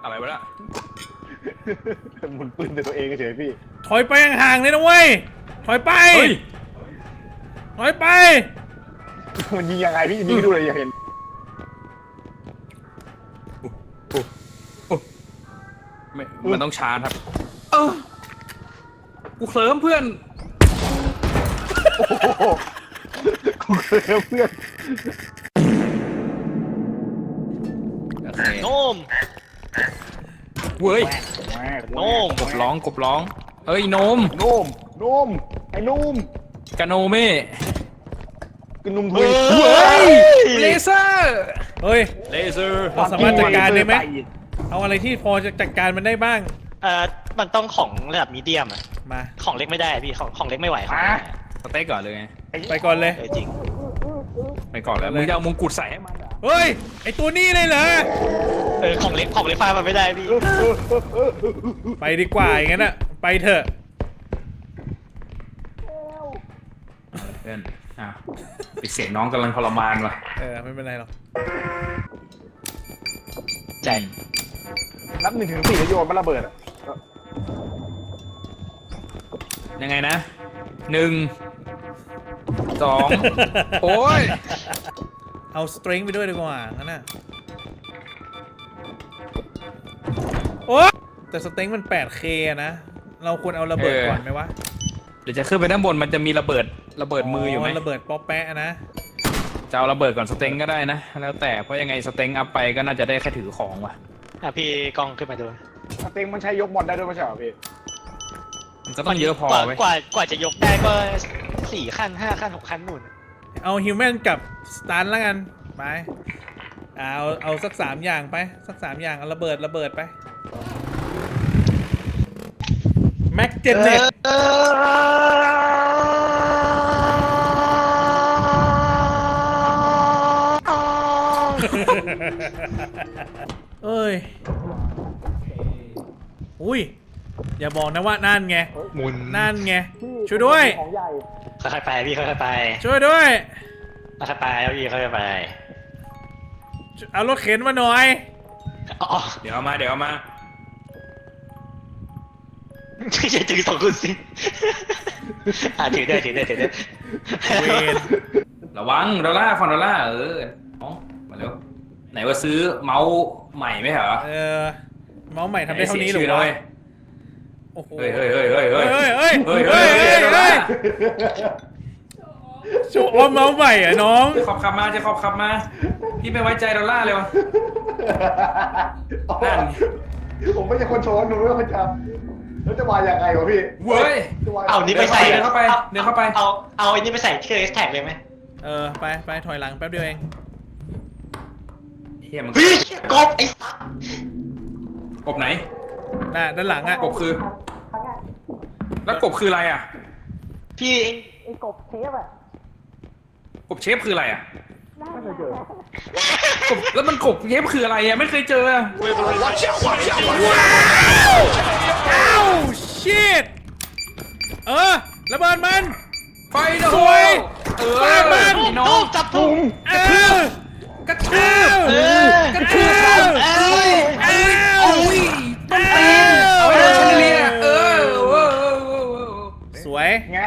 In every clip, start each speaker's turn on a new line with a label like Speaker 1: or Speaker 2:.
Speaker 1: อะไรวะล่ะ
Speaker 2: หมุนปืนแต่ตัวเองเฉยพี่
Speaker 3: ถอยไปห่างๆเลยนะเว้ยถอยไปถอยไป
Speaker 2: มันยิงยังไงพี่ยิงดูเลยอยากเห็น
Speaker 1: มันต้องชาร์จครับกูเคลิ้มเพื่อน
Speaker 2: กูเคยเพื่อน
Speaker 1: โนมเว้ย
Speaker 2: โนม
Speaker 1: กบร้องเฮ้ยโนมไอ้นุ่มกาโนเม่
Speaker 2: กนุ่มทุย
Speaker 1: เฮ้ยเลเซอร์
Speaker 3: เฮ้ย
Speaker 1: เลเซอร์
Speaker 3: เราสามารถจัดการได้ไหมเอาอะไรที่พอจะจัดการมันได้บ้าง
Speaker 4: มันต้องของระดับมีเดียมอะ
Speaker 3: มา
Speaker 4: ของเล็กไม่ได้พี่ของเล็กไม่ไหวครับ
Speaker 1: สเต็กก่อนเลยไง
Speaker 3: ไปก่อนเลย
Speaker 4: จริง
Speaker 1: ไปก่อนแล้วมึงจะเอามงกุฎใส่ให้มัน
Speaker 3: เฮ้ยไอตัวนี้เลยเหรอ
Speaker 4: ของเล็กฟาดมันไม่ได้พี่
Speaker 3: ไปดีกว่าอย่างนั้นอะไปเถอะ
Speaker 1: เพื่อนปิดเสียงน้องกำลังทรมานว่ะ
Speaker 3: ไม่เป็นไรหรอก
Speaker 4: ใจ
Speaker 2: นับ1 ถึง 4แล้วโยนมันระเบิด
Speaker 1: ยังไงนะ1 2โอ้ย
Speaker 3: เอาสตริงไปด้วยดีกว่างั้นน่ะโอ้แต่สตริงมัน 8K นะเราควรเอาระเบิดก่อนไหมวะ
Speaker 1: เดี๋ยวจะขึ้นไปด้านบนมันจะมีระเบิดมืออยู่ไหม
Speaker 3: ระเบิดป๊อปแปะนะ
Speaker 1: จะเอาระเบิดก่อนสเต็งก็ได้นะแล้วแต่เพราะยังไงสเต็งอัพไปก็น่าจะได้แค่ถือของว่ะ
Speaker 4: พี่กล้องขึ้นมาดู
Speaker 2: สเต็งมันใช้ยกบอลได้ด้วยไม่ใช่เหรอพี่
Speaker 1: มันก็ต้องเยอะพอไหม
Speaker 4: กว่าจะยกได้ก็4 ขั้น 5 ขั้น 6 ขั้นนู่น
Speaker 3: เอาฮิวแมนกับสตันแล้วกันไปเอาสัก3 อย่างไปสัก3 อย่างเอาระเบิดไปแม็กเจนเน็ตเอ้ยอุ้ยอย่าบอกนะว่านั่นไงนั่นไงช่วยด้วย
Speaker 4: ค่อยๆไปพี่ค่อยๆไป
Speaker 3: ช่วยด้วย
Speaker 4: ค่อยๆไปแล้วพี่ค่อยๆไป
Speaker 3: เอารถเข็นมาหน่อย
Speaker 1: เดี๋ยวเอามา
Speaker 4: ไม่ใช่ถือ2 คนสิถือได้
Speaker 3: เวน
Speaker 1: ระวังดอลลาร์ฝั่งดอลลาร์มาเร็วไหนว่าซื้อเมาส์ใหม่ไหมเหรอ
Speaker 3: เมาส์ใหม่ทำได้เท่านี้หรือวะโอ้โห
Speaker 1: เฮ้ย
Speaker 3: โชว์ออมเมาส์ใหม่อ่ะน้อง
Speaker 1: จะขับมาพี่ไม่ไว้ใจดอลลาร์เลยวะนั่น
Speaker 2: ผมไม่ใช่คนโชว์หนูไม่ใช่คนจำแล้วจะมาอย่างไรวะพี่
Speaker 1: เว้ย
Speaker 4: เอานี่ไปใส่
Speaker 1: เดินเข้าไป
Speaker 4: เอาไอ้นี่ไปใส่ที่เอสแท็กเลยไหม
Speaker 3: ไปถอยหลังแป๊บเดียวเอง
Speaker 1: เฮียมัน
Speaker 4: กบไอ้
Speaker 1: กบไหน
Speaker 3: ด้านหลังอ่ะ
Speaker 1: กบคือแล้วกบคืออะไรอ่ะ
Speaker 4: พี่ไอ้กบเชฟอ่ะ
Speaker 1: กบเชฟคืออะไรอ่ะไม่เคยเจอกบแล้วมันกบเชฟคืออะไรอ่ะไม่เคยเจอ
Speaker 3: ว้าวชิตระเบิดมัน
Speaker 1: ไฟโด
Speaker 3: สวยฟาดมัน
Speaker 4: น้องจับพุง
Speaker 1: กระทืบ
Speaker 3: สวย
Speaker 2: ไง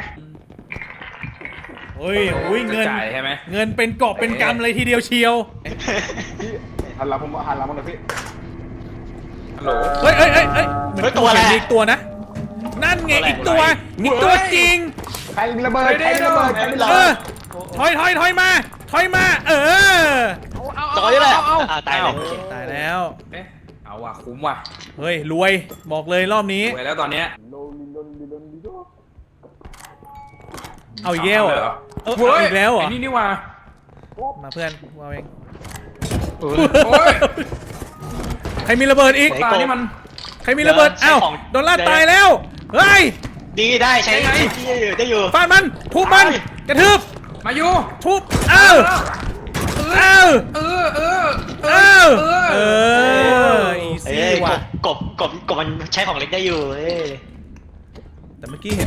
Speaker 3: เฮ้ยเงิน
Speaker 1: จ่ายใช่ไหม
Speaker 3: เงินเป็นกอบเป็นกำเลยทีเดียวเชียว
Speaker 2: หันหลังผมหันหลังมันหน่อยพี่
Speaker 1: ฮัลโหล
Speaker 3: เฮ้ยมัน
Speaker 4: ตัวอะไร
Speaker 3: อีกตัวนะนั่นไงอีกตัวจริง
Speaker 2: ใครมีระเบิด
Speaker 3: ถอยมา
Speaker 4: ต่อยเลยต
Speaker 3: ายแล้ว
Speaker 1: เอาว่ะคุ้มว่ะ
Speaker 3: เฮ้ยรวยบอกเลยรอบนี้
Speaker 1: รวยแล้วตอนเนี้ย
Speaker 3: เอาเย้วเหรออีกแล้วเหรอ
Speaker 1: นี่ว่า
Speaker 3: มาเพื่อนว่าเองใครมีระเบิดอีก
Speaker 1: นี่มัน
Speaker 3: ใครมีระเบิดดอลลาร์ตายแล้วเฮ้ย
Speaker 4: ดีได้ใช้ได้อยู่
Speaker 3: ฟาดมันทุบมันกระทืบ
Speaker 1: มาอยู่
Speaker 3: ทุบอีซี่ว่ะ
Speaker 4: กบมันใช้ของเล็กได้อยู่
Speaker 3: แต่เมื่อกี้เห็น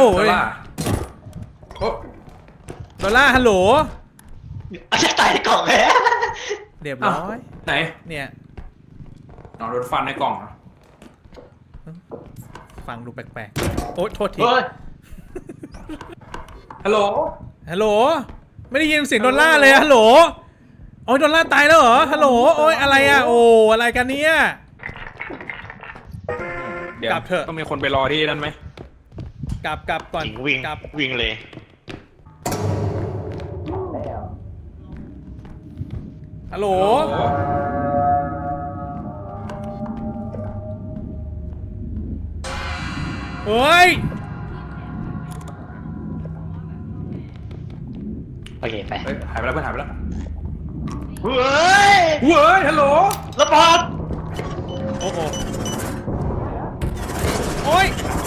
Speaker 3: ดอลลาร์ฮัลโหล
Speaker 4: จะตายในกล่องแล้ว
Speaker 3: เรียบร้อย
Speaker 1: ไหน
Speaker 3: เนี่ย
Speaker 1: อ๋อโดนฟันในกล่องเหรอ
Speaker 3: ฟังดูแปลกๆโอ๊ยโทษที
Speaker 4: เฮ้ย
Speaker 1: ฮัลโหล
Speaker 3: ฮัลโหลไม่ได้ยินเสียงดอลลาร์เลยฮัลโหลโอ้ยดอลลาร์ตายแล้วเหรอฮัลโหลโอ้ยอะไรอ่ะโอ้อะไรกันเนี่ย
Speaker 1: เดี๋ยว
Speaker 3: กลับเถอะ
Speaker 1: ต้องมีคนไปรอที่นั่นไหม
Speaker 3: กลับก่อน
Speaker 4: จริงวิ่ง
Speaker 3: กลับ
Speaker 4: วิ่งเลย
Speaker 3: ฮัลโหลเฮ้ย
Speaker 4: โอเคไป
Speaker 1: เฮ้ยหายไปแล้วเพื่อนหายไปแล้ว
Speaker 4: เฮ้ย
Speaker 1: เว้ยฮัลโหล
Speaker 4: ระเบิด
Speaker 3: โอ้โหโอ้ย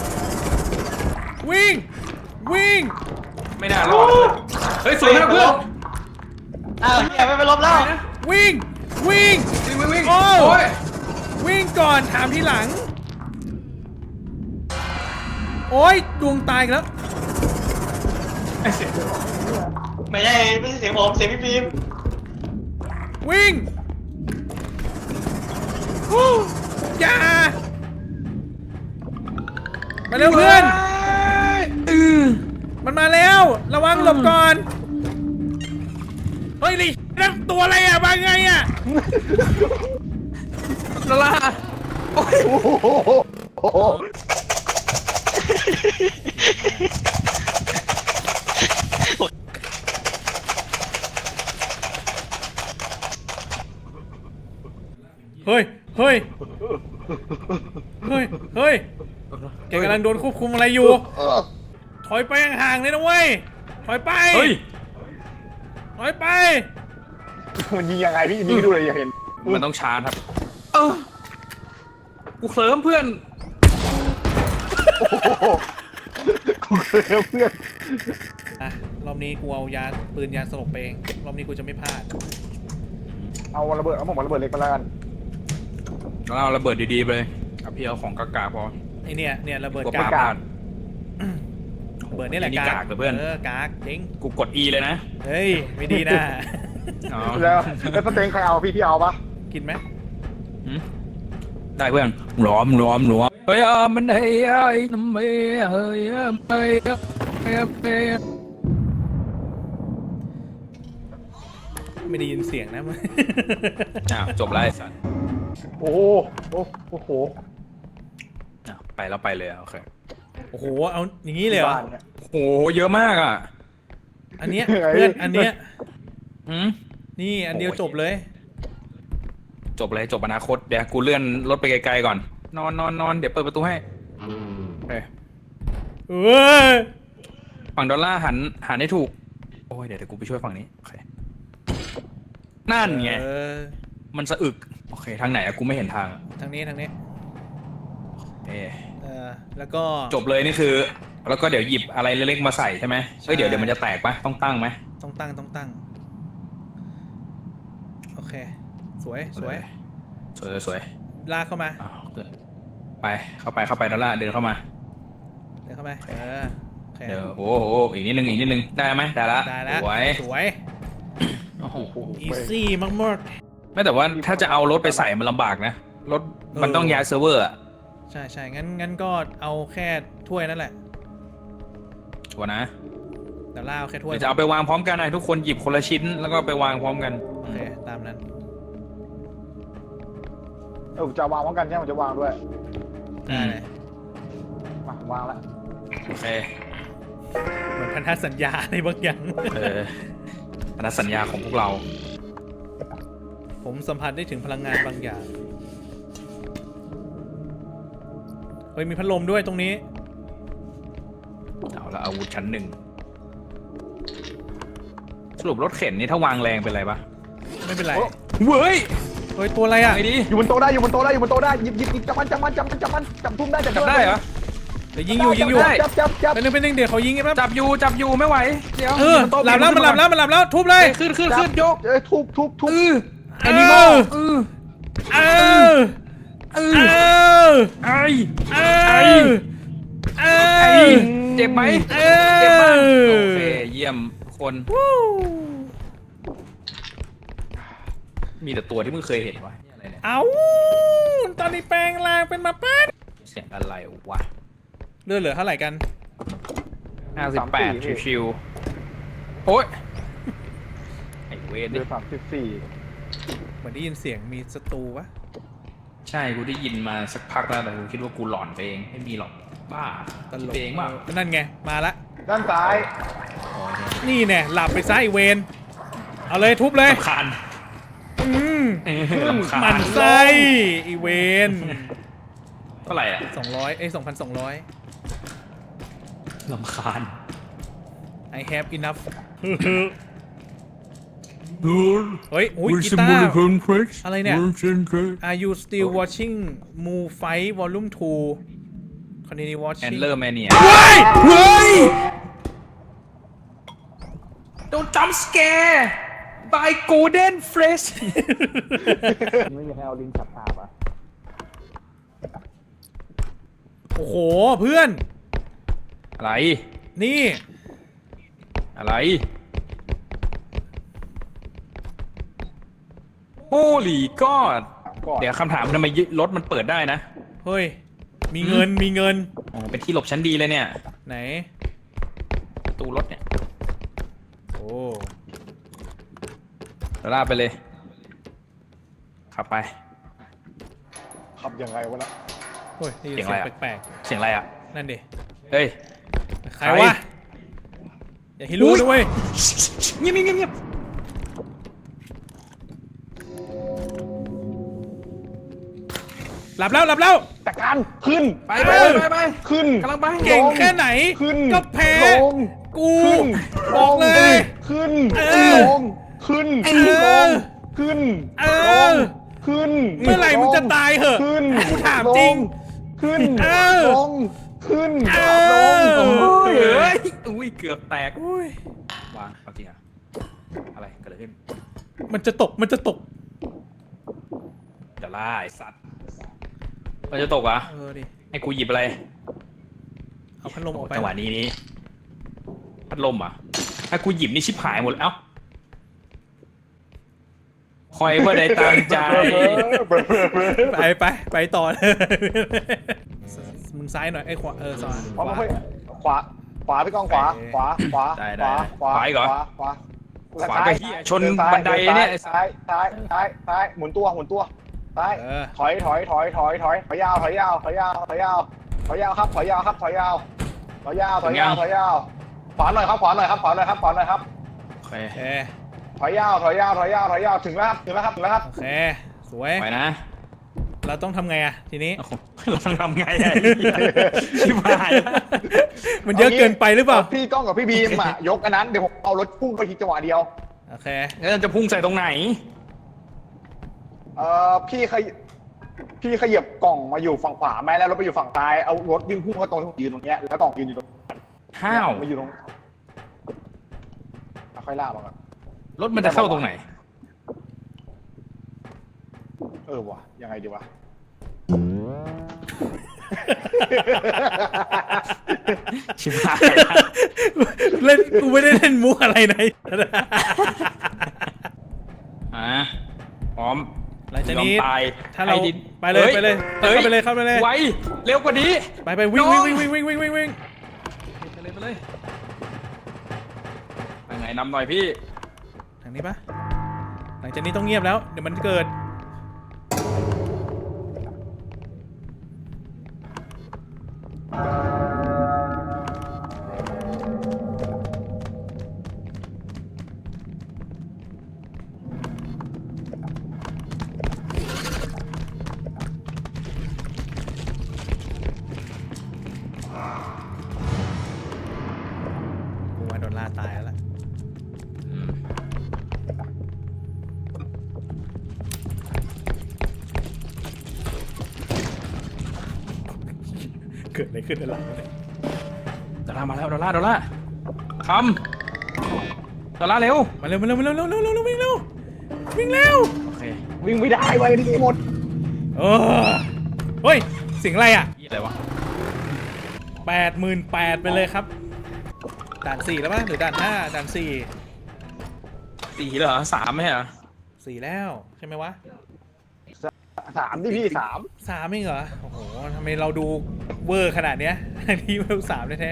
Speaker 3: วิ่ง
Speaker 1: ไม่น่ารอดเฮ้ยสวยนะเพื่อน
Speaker 4: อ้าวเฮียไม่ไปลบแล้ว
Speaker 3: วิ่ง
Speaker 1: วิ่ง
Speaker 3: โอ้
Speaker 1: โอ้ย
Speaker 3: วิ่งก่อนถามทีหลัง โอ้ยดวงตายอีกแล้ว
Speaker 4: ไม่ใช่เสียงผมเสียงพี่ฟิล์ม
Speaker 3: วิ่งฮู้อย่ามาเร็วเพื่อน มันมาแล้ว ระวังหลบก่อน เฮ้ยลินั่นตัวอะไรอ่ะมาไงอ่ะ
Speaker 1: ดอลลาร์โอ้ย
Speaker 2: โอ้โหโอ้โห
Speaker 3: เฮ้ย เฮ้ย เฮ้ย เฮ้ย แกกำลังโดนควบคุมอะไรอยู่ ถอยไปห่างๆเลยนะเว้ย ถอยไป
Speaker 1: เฮ้ย
Speaker 3: ถอยไป
Speaker 2: มันยิงยังไงพี่ยิงดูเลยอย่าเห็น
Speaker 1: มันต้องชาร์จครับกูเคลิ้มเพื่อน
Speaker 2: โอ้โหกูเคยเพื่อน
Speaker 3: อ่ะ รอบนี้กูเอาปืนยาสลบไปเอง รอบนี้กูจะไม่พลาด
Speaker 2: เอาระเบิดเอาผมระเบิดเล็กมาแล้วกัน
Speaker 1: แล้วเอาระเบิดดีๆไปเลยเอาพี่เอาของกากๆพอ
Speaker 3: ไอเนี่ยระเบิด
Speaker 1: กลัว
Speaker 3: กาก
Speaker 1: พลาด
Speaker 3: เบิดนี่แหละ
Speaker 1: นี่กากเหรอเพื่อน
Speaker 3: กากจริง
Speaker 1: กูกด E เลยนะ
Speaker 3: เฮ้ย ไม่ดีนะ
Speaker 1: อ๋อ
Speaker 2: แล้วสเต็งใครเอาพี่เอาปะ
Speaker 3: กินไหม
Speaker 1: หืมได้เพื่อนล้อมเฮ้ยมันเฮ้ยน้ำเฮ้ยเฮ้ยเฮ้ยเฮ้ย
Speaker 3: ไม่ได้ยินเสียงนะ
Speaker 1: อ้าวจบแล้วไอ้สัส
Speaker 2: โอ้โหโอ้โห
Speaker 1: อ้าวไปแล้วไปเลยโอเค
Speaker 3: โอ้โห เอาอย่างนี้เลยเหรอ
Speaker 2: บ้านเนี่ย
Speaker 1: โหเยอะมากอ่ะ
Speaker 3: อันเนี้ย
Speaker 2: ยังไง
Speaker 3: เพื่อน อันเนี้ย
Speaker 1: หืม
Speaker 3: นี่อันเดียวจบเลย
Speaker 1: จบเลยจบอนาคตเดี๋ยวกูเลื่อนรถไปไกลๆก่อนนอนเดี๋ยวเปิดประตูให้เฮ้ย
Speaker 3: เอ้ย
Speaker 1: ฝั่งดอลลาร์หันให้ถูกโอ้ยเดี๋ยวกูไปช่วยฝั่งนี้โอเคนั่นไง มันสะอึกโอเคทางไหนอะกูไม่เห็นทาง
Speaker 3: ทางนี้
Speaker 1: เอ๊ะ
Speaker 3: แล้วก็
Speaker 1: จบเลยนี่คือ แล้วก็เดี๋ยวหยิบอะไรเล็กๆมาใส่ใช่ไหมเฮ้ยเดี๋ยวมันจะแตกปะต้องตั้งไหม
Speaker 3: ต้องตั้ง โอเค สวย
Speaker 1: สวย
Speaker 3: ลากเข้ามา
Speaker 1: อ้าวไปเข้าไปดอลลาร์เดินเข้ามา
Speaker 3: เดินเข้าไปโอเค
Speaker 1: เดี๋ยวโอ้โหอีกนิดนึงได้ไหมได้ละ
Speaker 3: ได้แล้ว
Speaker 1: สวย
Speaker 3: สวย
Speaker 1: โอ้โห
Speaker 3: อีซี่มาก
Speaker 1: ไม่แต่ว่าถ้าจะเอารถไปใส่มันลำบากนะรถมันต้องย้ายเซิร์ฟเวอร์อะ
Speaker 3: ๆใช่งั้นก็เอาแค่ถ้วยนั่นแหละ
Speaker 1: ชัวร์นะ
Speaker 3: เดี๋ยวล่าเอาแค่ถ้วย
Speaker 1: เดี๋ยวจะเอาไปวางพร้อมกันนะทุกคนหยิบคนละชิ้นแล้วก็ไปวางพร้อมกัน
Speaker 3: โอเค ตามนั้น
Speaker 2: ผมจะวางพร้อมกันใช่ไหมผมจะวางด้วย
Speaker 3: ได้เลย
Speaker 2: มาวางแล้ว
Speaker 1: โอเค
Speaker 3: เหมือนพันธสัญญาอะไรบางอย่าง
Speaker 1: อนัดสัญญาของพวกเรา
Speaker 3: ผมสัมผัสได้ถึงพลังงานบางอย่าง เฮ้ย มีพัดลมด้วยตรงนี้
Speaker 1: เอาละอาวุธชั้นหนึ่งสรุปรถเข็นนี่ถ้าวางแรงเป็นไรปะ
Speaker 3: ไม่เป็นไร
Speaker 1: เว้ย
Speaker 3: เฮ้ย ตัวอะไรอ่ะ
Speaker 1: ไงดี
Speaker 2: อยู่บนโต๊ะได้หยิบจับมันจับทุ่มได้
Speaker 1: จับได้เหรอ
Speaker 3: เดี๋ยวยิงอยู่
Speaker 1: ได้
Speaker 2: จับ
Speaker 3: เป็นนึงเดี๋ยวเขายิงไงปั๊บ
Speaker 1: จับอยู่ไม่ไหวเดี๋ยว
Speaker 3: หลับแล้วมันหลับแล้วทุบเลย
Speaker 1: ขึ้นยก
Speaker 2: ทุบ
Speaker 1: แอนิมอล
Speaker 3: เออ
Speaker 1: ไอ้
Speaker 3: เออ
Speaker 1: เจ็บไหม
Speaker 3: เอ
Speaker 1: เจ็บมาก
Speaker 3: อ
Speaker 1: โอเคเยี่ยมทุกคน มีแต่ตัวที่มึงเคยเห็นวะนี่อะไรเนี่ย
Speaker 3: เอาอนนี้แปลงร่างเป็นหมาป่า
Speaker 1: เสียงอะไรวะ
Speaker 3: เลือดเหลือเท่าไหร่กัน
Speaker 1: 58ชิวๆโอ๊ยไอเวร
Speaker 2: เดื
Speaker 1: นี่
Speaker 2: อน34
Speaker 3: เหมือนได้ยินเสียงมีศัตรูวะ
Speaker 1: ใช่กูได้ยินมาสักพักแล้วแต่กูคิดว่ากูหลอนไปเองไม่มีหรอกบ้า
Speaker 3: ตลก
Speaker 1: ไปเองเปล่า
Speaker 3: นั่นไงมาละ
Speaker 2: ด้านซ้าย
Speaker 1: โอ้ยเนี่ย
Speaker 3: นี่แน่หลับไปซะไอเวนเอาเลยทุบเลย
Speaker 1: รำคาญ รำคาญ
Speaker 3: หมันไส้ไอเวน
Speaker 1: เท่าไหร่อ่ะ
Speaker 3: 2002,200
Speaker 1: รำคาญ
Speaker 3: I have enough เฮ้ยอุ้ยกีตาร์อะไรเนี่ย Are you still watching Moo Fight Volume 2 Continue
Speaker 1: แอน
Speaker 3: watching
Speaker 1: เลอร์แมเนีย
Speaker 3: เฮ้ยเฮ้ย
Speaker 1: โดนจัมป์สแกร์ by golden fresh
Speaker 2: ไม่มีใครเอาลิงฉับตาปะ
Speaker 3: โอ้โหเพื่อน
Speaker 1: อะไร
Speaker 3: นี่
Speaker 1: อะไร Holy God
Speaker 2: ก่อน
Speaker 1: เดี๋ยวคำถามทำไมรถมันเปิดได้นะ
Speaker 3: เฮ้ยมีเงินมีเงิน
Speaker 1: อ๋อเป็นที่หลบชั้นดีเลยเนี่ย
Speaker 3: ไหน
Speaker 1: ประตูรถเนี่ย
Speaker 3: โอ้
Speaker 1: ลากไปเลย ขับไป
Speaker 2: ขับยังไงวะนะ
Speaker 3: เฮ้ยได้ยิน
Speaker 1: เสียง
Speaker 3: เสี
Speaker 1: อะไร
Speaker 3: ยง
Speaker 1: อะ
Speaker 3: แปลก
Speaker 1: เสียงอะไรอ่ะ
Speaker 3: ๆนั่นดิ
Speaker 1: เฮ้ย
Speaker 3: ใครวะอย่าให้รู้นะเว้ย
Speaker 1: เงียบเงียบเงียบ
Speaker 3: หลับแล้วหลับแล้ว
Speaker 2: จัดการขึ้น
Speaker 1: ไปไปไปไป
Speaker 2: ขึ้น
Speaker 1: กำลังไป
Speaker 3: เก่งแค่ไหน
Speaker 2: ขึ้น
Speaker 3: ก็แพ้
Speaker 2: ลง
Speaker 3: กู
Speaker 2: ขึ้น
Speaker 3: บอกเลย
Speaker 2: ขึ้น
Speaker 3: เออ
Speaker 2: ลงขึ้น
Speaker 3: เอ
Speaker 2: ล
Speaker 3: อ
Speaker 2: งขึ้น
Speaker 3: เอ
Speaker 2: ล
Speaker 3: อง
Speaker 2: ขึ้น
Speaker 3: เมื่อไหร่มึงจะตายเหอะ
Speaker 2: ขึ้น
Speaker 3: กูถามจริง
Speaker 2: ลขึ้น
Speaker 3: เออ
Speaker 2: ลงขึ้น
Speaker 3: เอ
Speaker 2: ล
Speaker 3: อ
Speaker 2: ง
Speaker 1: โอ้ยเอ้ยอุ้ยเกือบแตก
Speaker 3: อุ้ยว
Speaker 1: างเอาจริงอ่ะอะไรเกิดอะไรขึ้น
Speaker 3: มันจะตกมันจะตก
Speaker 1: จะล่าไอ้สัตว์มันจะตกเหรอ่ะ
Speaker 3: เออดิ
Speaker 1: ให้กูหยิบอะไร
Speaker 3: เอาพัดลมออกไป
Speaker 1: จังหวะนี้พัดลมอ่ะถ้ากูหยิบนี่ชิบหายหมดแล้วเอ้าคอยเพื่อได้ตั้งใจ
Speaker 3: ไปต่อเลยมึงซ้ายหน่อยไอ้ขวาซ้าย
Speaker 2: ขวาขวาพี่กองขวาขวาขวา
Speaker 1: ได้
Speaker 2: ขวา
Speaker 1: ขวาอีกเหรอ
Speaker 2: ขวา
Speaker 1: ขวาก็เหี้ยชนบันไดเนี่ย
Speaker 2: ซ้ายหมุนตัวซ้ายถอยยาวครับถอยยาวครับถอยยาวขวาหน่อยครับ
Speaker 1: โอเค
Speaker 3: โอเค
Speaker 2: ถอยยาวถึงแล้วครับ
Speaker 3: โอเคสวย
Speaker 1: ไปนะ
Speaker 3: เราต้องทำไงอะทีนี้
Speaker 1: โอ้โหเราต้องทำไงอะชิบหายแล้ว
Speaker 3: มันเยอะเกินไปหรือเปล่า
Speaker 2: พี่ก้องกับพี่บีมอ่ะยกอันนั้นเดี๋ยวผมเอารถพุ่งไปทีจังหวะเดียว
Speaker 3: โอเค
Speaker 1: แล้วจะพุ่งใส่ตรงไหน
Speaker 2: พี่ขยับกล่องมาอยู่ฝั่งขวาไหมแล้วรถไปอยู่ฝั่งซ้ายเอารถวิ่งพุ่งเข้าตรงที่ผมยืนตรงเนี้ยแล้วกล่องยืนอยู่ตรง
Speaker 1: ห้าว
Speaker 2: มาอยู่ตรงค่อยลากมาก่อน
Speaker 1: รถมันจะเข้าตรงไหน
Speaker 2: วะยังไงดีวะ
Speaker 1: ชิบหาย
Speaker 3: เล่นกูไม่ได้เล่นมุกอะไรไหน
Speaker 1: พร้อม
Speaker 3: หลังจากนี้
Speaker 1: ยอมตาย
Speaker 3: ถ้าเรา
Speaker 1: ให้ดิน
Speaker 3: ไปเลย
Speaker 1: ฮ้
Speaker 3: ไปเลย
Speaker 1: ฮ้
Speaker 3: เข้าไปเลยเข้าไปเลย
Speaker 1: ไวเร็วกว่านี้
Speaker 3: ไปวิ่ง
Speaker 1: น้อง
Speaker 3: วิ่งไปเลย
Speaker 1: ไปไงนำหน่อยพี่
Speaker 3: ทางนี้ปะหลังจากนี้ต้องเงียบแล้วเดี๋ยวมันเกิดกูว่าโดนล่าตายแล้วล่ะเกิดอะไรขึ้นในหลังวะเนี่ย
Speaker 1: ดอลลาร์มาแล้วดอลลาร์คำดอลลาร์เร็ว
Speaker 3: มาเร็ววิ่งเร็ว
Speaker 1: โอเค
Speaker 2: วิ่งไม่ได้ไว้ดีหมด
Speaker 3: เฮ้ยเสียงอะไรอ่ะ
Speaker 1: ยี่อะไรวะ
Speaker 3: 88,000ไปเลยครับด่าน4แล้วป่ะหรือด่าน5ด่าน4
Speaker 1: 4เหรอ3ไหมเหรอ
Speaker 3: 4แล้วใช่ไหมวะ
Speaker 2: 3ที่พี่3
Speaker 3: 3เองเหรอโอ้โหทำไมเราดูเวอร์ขนาดเนี้ยอันนี้เวล3แท้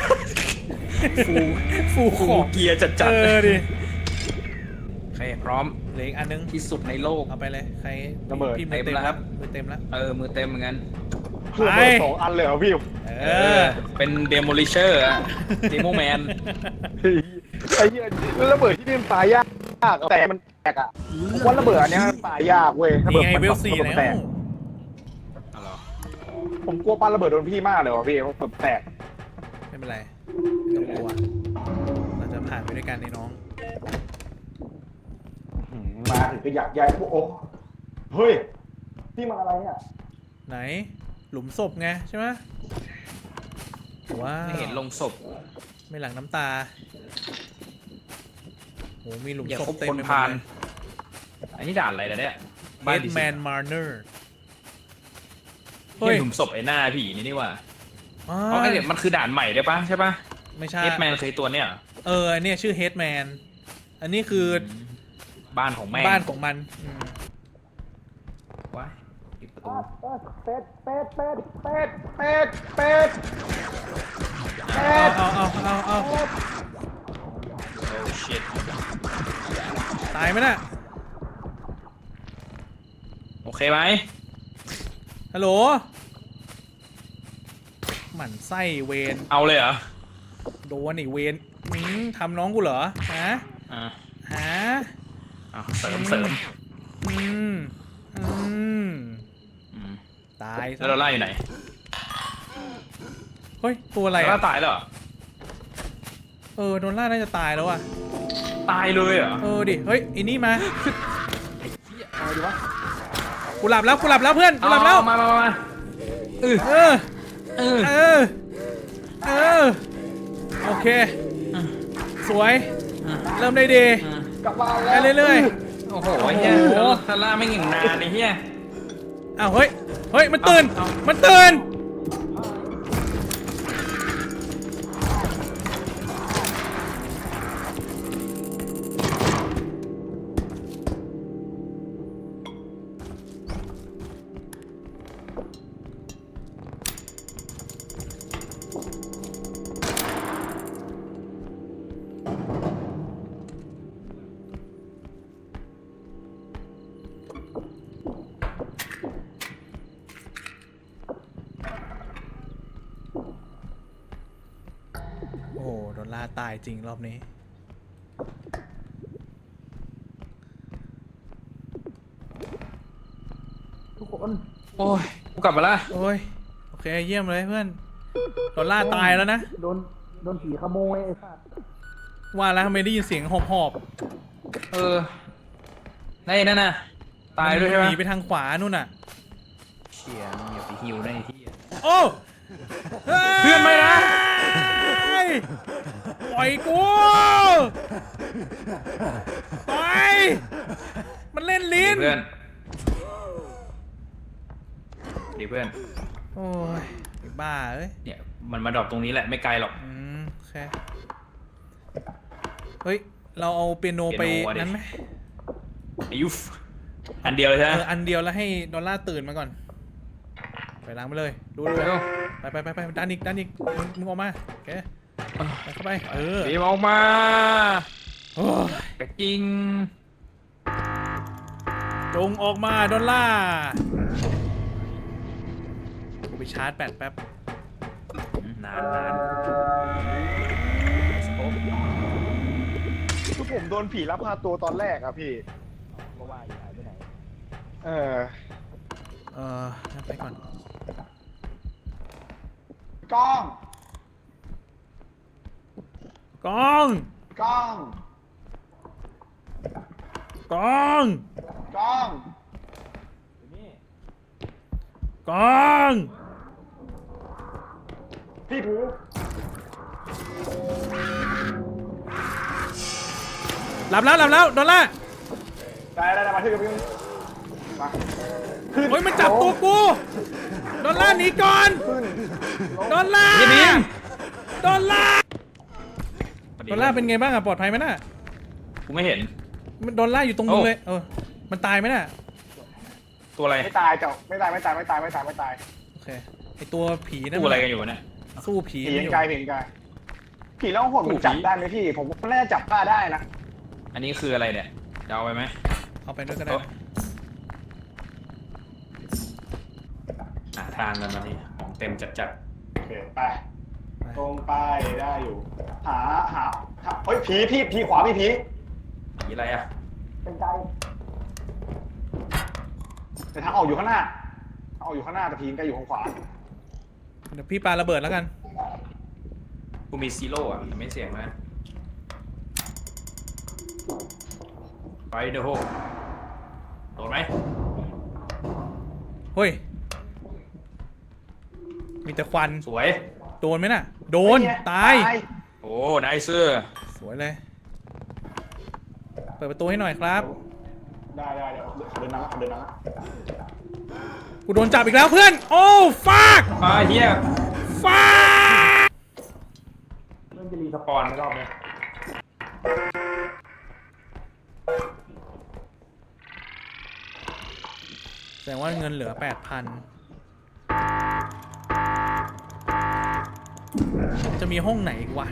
Speaker 3: ๆฟูของ
Speaker 1: เกียร์จัด
Speaker 3: ดิ
Speaker 1: โอเคพร้อม
Speaker 3: เหลืออีกอันนึง
Speaker 1: ที่สุดในโลก
Speaker 3: เอาไปเลยใคร
Speaker 2: ระเบิด
Speaker 3: พี่มือเต็ม
Speaker 1: เต็มแล้วครับ
Speaker 3: มือเต็มแล้ว
Speaker 1: มือเต็มเหมือนกัน
Speaker 2: คือระเบิด2 อันเลยเหรอพี่
Speaker 1: เป็นเดโมลิเชอร์อะเดโมแมน
Speaker 2: ไอ้เหี้ยระเบิดที่นี่มันตายยากแต่มันแตกอ่ะผมว่าระเบิดอันเนี้ยมันตายยากเว้ยระเบิ
Speaker 3: นี่
Speaker 2: ด
Speaker 3: ไง
Speaker 2: มัน
Speaker 3: เวล4
Speaker 2: ระเบิด
Speaker 3: แล้
Speaker 2: แต
Speaker 3: ว
Speaker 2: กผมกลัวปาระเบิดโดนพี่มากเลยว่ะพี่เพราะแบบแตก
Speaker 3: ไม่เป็นไรไม่ต้องกลัวเราจะผ่านไปด้วยกันในน้อง
Speaker 2: มาถึงก็อยากย้ายพวกโอ้เฮ้ยพี่มาอะไรเนี่ย
Speaker 3: ไหนหลุมศพไงใช่ไหมว้าว
Speaker 1: ไม่เห็นลงศพ
Speaker 3: ไม่หลังน้ำตาโหมีหลุม
Speaker 1: อย่า
Speaker 3: ศพ
Speaker 1: คบ
Speaker 3: เต็ม
Speaker 1: คน
Speaker 3: ไปหม
Speaker 1: พา
Speaker 3: ด
Speaker 1: น
Speaker 3: เลย
Speaker 1: อันนี้ด่านอะไรนะเนี่ยบ้าน
Speaker 3: Headman Marner
Speaker 1: เฮ้ยหลุมศพไอ้หน้าผีนี่ว่า
Speaker 3: อ๋อ
Speaker 1: เพราะไอ้เนี่ยมันคือด่านใหม่ได้ปะใช่ปะ
Speaker 3: ไม่ใช่
Speaker 1: เฮดแมนเคยตัวเนี่ย
Speaker 3: อันเนี้ยชื่อ Headman อันนี้คือ
Speaker 1: บ้านของแม่ง
Speaker 3: บ้านของมัน
Speaker 1: ว้ายปิดประตู
Speaker 2: เป็ดเป็ดเป็ดเป็ดเป็ดเป็ด
Speaker 3: เอา
Speaker 1: โอ้ชิต
Speaker 3: ตายไหมน่ะ
Speaker 1: โอเคไหม
Speaker 3: ฮัลโหลหมั่นไส้เวน
Speaker 1: เอาเลยเหรอ
Speaker 3: โดนไอ้เวนทำน้องกูเหรอฮะ
Speaker 1: อ่า
Speaker 3: ฮะ
Speaker 1: เสริม
Speaker 3: อืม
Speaker 1: อืม
Speaker 3: ตายซะ
Speaker 1: แล้วเราไล่อยู่ไหน
Speaker 3: เฮ้ยตัวอะไร
Speaker 1: แล้ว
Speaker 3: อ่ะ
Speaker 1: ตายแล้วเหรอ
Speaker 3: โดนล่าน่าจะตายแล้วอ่ะ
Speaker 1: ตายเลยเหรอ
Speaker 3: ดิเฮ้ยไอ้นี่มา
Speaker 2: เอาดีวะ
Speaker 3: กูหลับแล้วเพื่อนกูหลับแล้ว
Speaker 1: มา
Speaker 3: เออโอเคสวยเริ่มได้ดี
Speaker 2: กลับมา
Speaker 3: ไป
Speaker 2: แล้ว
Speaker 3: เรื่อย
Speaker 1: โอ้โหเฮียซาร่าไม่เก่งนานไอ้เฮีย
Speaker 3: ๆอ้าวเฮ้ยมันตื่น
Speaker 1: เอา
Speaker 3: มันตื่น โอ้โหโดนล่าตายจริงรอบนี้
Speaker 2: ทุกคน
Speaker 1: โอ้ยกูกลับมาละ
Speaker 3: โอ้ยโอเคเยี่ยมเลยเพื่อนโดนล่าตายแล้วนะ
Speaker 2: โดนผีขโมยไอ้สัส
Speaker 3: ว่าแล้วทำไมได้ยินเสียงหอบ
Speaker 1: ได้นั่นน่ะ
Speaker 3: ๆ
Speaker 1: ตายด้วยใช่ไหม
Speaker 3: หนีไปทางขวานู่นน่ะ
Speaker 1: เชี่ยมึงอย่าไปฮิวได้ที่
Speaker 3: โอ้
Speaker 1: เพื่อนไม่นะ
Speaker 3: ปล่อยกูไปมันเล่นลิ้น
Speaker 1: เพื่อนดีเพื่อน
Speaker 3: โอ้ยไอ้บ้าเอ้ย
Speaker 1: เนี่ยมันมาดรอปตรงนี้แหละไม่ไกลหรอก
Speaker 3: โอเคเฮ้ยเราเอาเปียโนไป
Speaker 1: เปียโนอะดิ
Speaker 3: นั้นไหม
Speaker 1: ไอายุฟอันเดียวเลยใช่ไหม
Speaker 3: อันเดียวแล้วให้ดอลลาร์ตื่นมาก่อนไปล้างไปเลยดู
Speaker 1: เร็ว
Speaker 3: ไปดันอีกมึงออกมาโอเคไปเข้าไป
Speaker 1: บีมออกมา
Speaker 3: โอ้ย
Speaker 1: กระจริง
Speaker 3: จงออกมาดอลลาร์กูไปชาร์จแบตแป๊บ
Speaker 1: นาน
Speaker 2: คือผมโดนผีลักพาตัวตอนแรกอะพี่ก็ว่าอยู่หายไปไหน
Speaker 3: งั้นไปก่อน
Speaker 2: กล้อง
Speaker 3: กอง
Speaker 2: กล้อง
Speaker 3: กอง
Speaker 2: กล้อง
Speaker 3: กอง
Speaker 2: พี่ถือ
Speaker 3: หลับแล้วดอลลาร์
Speaker 2: ได้มาที่กับพี่มา
Speaker 3: เฮ้ยมันจับตัวกูดอลลาร์หนีก่อน
Speaker 2: ขึ้น
Speaker 3: ดอลลาร์
Speaker 1: อย่าบีม
Speaker 3: ดอลลาร์เป็นไงบ้างอะปลอดภัยไหมน่ะ
Speaker 1: กูไม่เห็น
Speaker 3: ดอลลาร์อยู่ตรงมึง
Speaker 1: โอ้
Speaker 3: เลยมันตายไหมน่ะ
Speaker 1: ตัวตัวอะไร
Speaker 2: ไม่ตายเจ้าไม่ตาย
Speaker 3: โอเคไอตัวผีนั่น
Speaker 1: ตู้อะไรกันอยู่วะเนี่ย
Speaker 3: สู้ผี
Speaker 2: ผี
Speaker 3: ไม่
Speaker 2: ยั
Speaker 3: อง ยู่
Speaker 2: ไกลผีแล้วหดมันจับได้ไหมพี่ผมว่าน่าจะจับป้าได้นะ
Speaker 1: อันนี้คืออะไรเนี่ยจะเอาไปไหม
Speaker 3: เอาไปด้วยก็ได้นะ
Speaker 1: หาทางกันมาดิของเต็มจัด
Speaker 2: โอเคไปตรงไปได้อยู่หาเฮ้ยผีขวามีผี
Speaker 1: ๆผีอะไรอ่ะ
Speaker 2: เป็นไกลแต่ทางออกอยู่ข้างหน้าแต่ผีใกล้อยู่ข้างขวา
Speaker 3: เดี๋ยวพี่ปาระเบิดแล้วกัน
Speaker 1: กูมีซีโร่อ่ะแต่ไม่เสี่ยงนะไปเดอะโฮโดนไหม
Speaker 3: เฮ้ยมีแต่ควัน
Speaker 1: สวย
Speaker 3: โดนไหมน่ะโดนตาย
Speaker 1: โอ้ไนเซอร์
Speaker 3: สวยเลยเปิดประตูให้หน่อยครับ
Speaker 2: ได้เดี๋ยวเดินน้ำ
Speaker 3: กูโดนจับอีกแล้วเพื่อนโอ้ฟาก
Speaker 1: เฮีย
Speaker 3: ฟาก
Speaker 1: เริ่มจะรีสปอนรอบนี้
Speaker 3: แสดงว่าเงินเหลือ 8,000 จะมีห้องไหนอีกวะ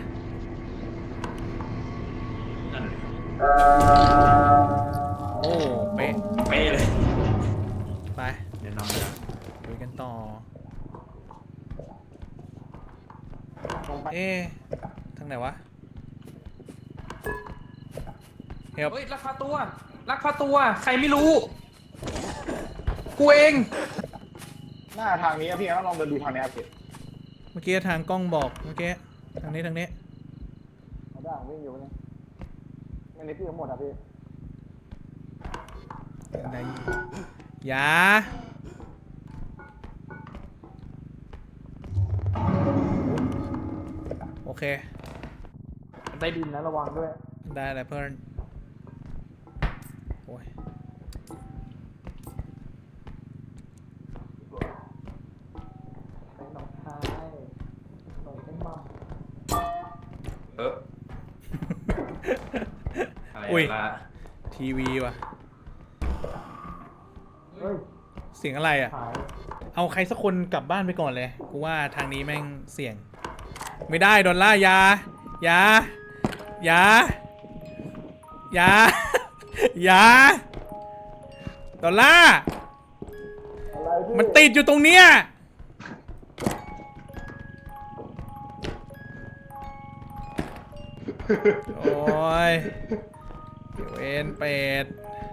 Speaker 1: นั่น
Speaker 3: โอ้เป๊ะ
Speaker 1: เป๊ะเลย
Speaker 3: ไป
Speaker 1: เดี๋ยวนอนนะ
Speaker 3: คุยกันต่อ
Speaker 2: ตรงไป
Speaker 3: เอ๊ะทางไหนวะเฮ้ย
Speaker 1: เฮ้ยลักพาตัวใครไม่รู้กูเอง
Speaker 2: หน้าทางนี้พี่ต้องลองเดินดูทางนี้พี่
Speaker 3: เมื่อกี้ทางกล้องบอกเมื่อกี้ทางนี้
Speaker 2: เอาได้วิ่งอยู่นี่ไม่ในพี่ทั้งหมดอ่ะพี่
Speaker 3: ไหนอย่าโอเค
Speaker 1: ใต้ดินนะระวังด้วย
Speaker 3: ได้เลยเพื่อนโอ้ย
Speaker 1: อะไร
Speaker 3: อุ้ย
Speaker 1: ล่ะ
Speaker 3: ทีวีว่ะเสียงอะไรอ่ะ เอาใครสักคนกลับบ้านไปก่อนเลย กูว่าทางนี้แม่งเสี่ยง ไม่ได้ดอลล่าอย่าอย่าอย่าอย่าอย่าดอลล่ามันติดอยู่ตรงเนี้ยโอ้ยเวนเป็ด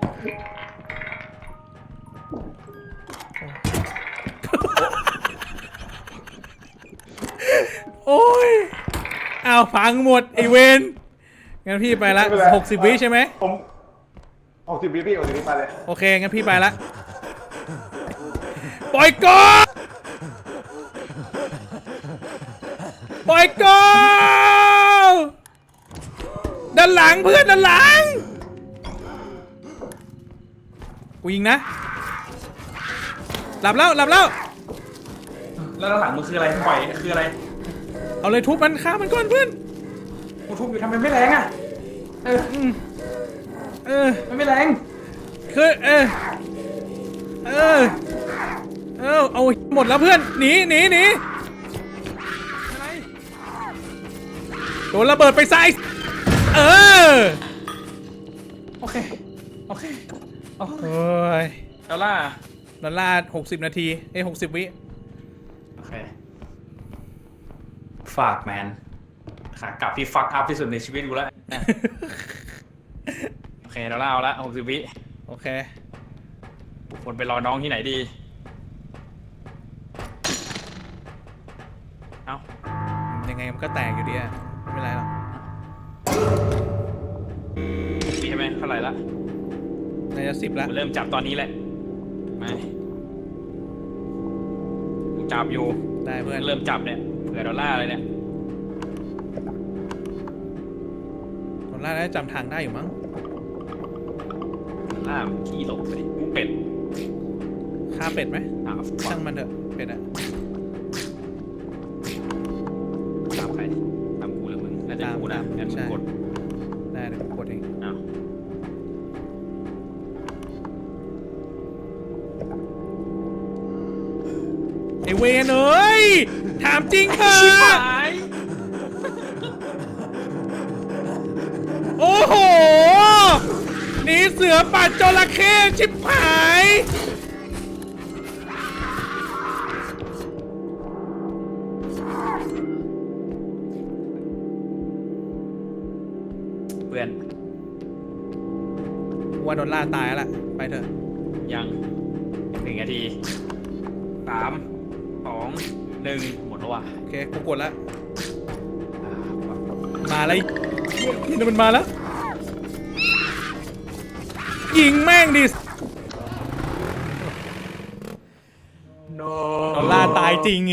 Speaker 3: โอ้ยอ้าวพังหมดไอเวนงั้นพี่ไปละ60 วิใช่ไหม
Speaker 2: ผม60 วิพี่60 วิไปเลย
Speaker 3: โอเคงั้นพี่ไปละปล่อยก่อนปล่อยก่อนด้านหลังเพื่อนด้านหลังกูยิงนะหลับแล้ว
Speaker 1: แล้วด้านหลังมึงคืออะไรปล่อยคืออะไร
Speaker 3: เอาเลยทุบมันฆ่ามันก่อนเพื่อน
Speaker 1: กูทุบอยู่ทำไมไม่แรงอ่ะมันไม่แรง
Speaker 3: คือเอาหมดแล้วเพื่อนหนีโดนระเบิดไปใส่
Speaker 1: โอเค
Speaker 3: โอ้ย
Speaker 1: ดอลล่า
Speaker 3: ดอลลาร์60 นาที60 วิ
Speaker 1: โอเคฝากแมนขากลับที่ฟักอัพที่สุดในชีวิตกูแล้ว โอเคดอลล่าเอาละ60 วิ
Speaker 3: โอเค
Speaker 1: คนไปรอน้องที่ไหนดีเอ้า
Speaker 3: ยังไงมันก็แตกอยู่ดีอะไม่เป็นไรหรอก
Speaker 1: ปีใช่ไหมเท่าไหร่ละ
Speaker 3: น่าจะ10 แล้ว
Speaker 1: กูเริ่มจับตอนนี้แหละไม่กูจับอยู่
Speaker 3: ได้เพื่อน
Speaker 1: เริ่มจับเนี่ยเผื่อดอลล่าเลยเนี่ย
Speaker 3: ดอลลาร์น่าจะจำทางได้อยู่มั้ง
Speaker 1: ดอลล่าขี้หลบไปดิกูเป็ด
Speaker 3: ฆ่าเป็ดไหม
Speaker 1: อ้าว
Speaker 3: ช่างมันเถอะเป็ดอะ
Speaker 1: ตามใครตามกูหรือมึงน่าจะกูนะงั้นมึงกด
Speaker 3: ได้เดี๋ยวผมกดเอง
Speaker 1: อ้าว
Speaker 3: ไอเวนเอ้ยถามจริงเถอะโอ้โหหนีเสือป่าจระเข้ชิบหาย
Speaker 1: เพื่อน
Speaker 3: ว่าโดนล่าตายแล้วล่ะไปเถอะ
Speaker 1: ยัง1 นาที 3 2 1 หมดแล้วว่ะ
Speaker 3: โอเคกูกดแล้วมาแล้วนี่มันมาแล้วยิงแม่งดิ
Speaker 1: โน
Speaker 3: โดนล่าตายจริงไง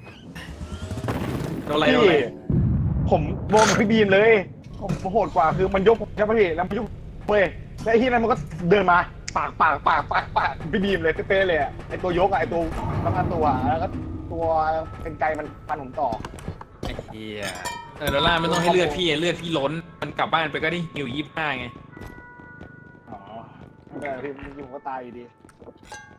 Speaker 1: โดนอะไร
Speaker 2: พี่
Speaker 1: โดนอะไร
Speaker 2: ผมวงกับพี่บีมเลยผมโหดกว่าคือมันยกผมใช่ไหมพี่แล้วมันยกเว้ยแล้วไอ้ที่นั้นมันก็เดินมาปากพี่บีมเลยเป๊ะๆเลยอะไอ้ตัวยกอะไอ้ตัวแล้วก็ตัวแล้วก็ตัวเป็นไกลมันฟันผมต่อ
Speaker 1: ไอ้เหี้ยโดนล่าไม่ต้องให้เลือดพี่เลือดพี่ล้นมันกลับบ้านไปก็ได้ฮิว25ไง
Speaker 2: อ๋อไม่เป็นไรพี่ผมก็ตายอยู่ดี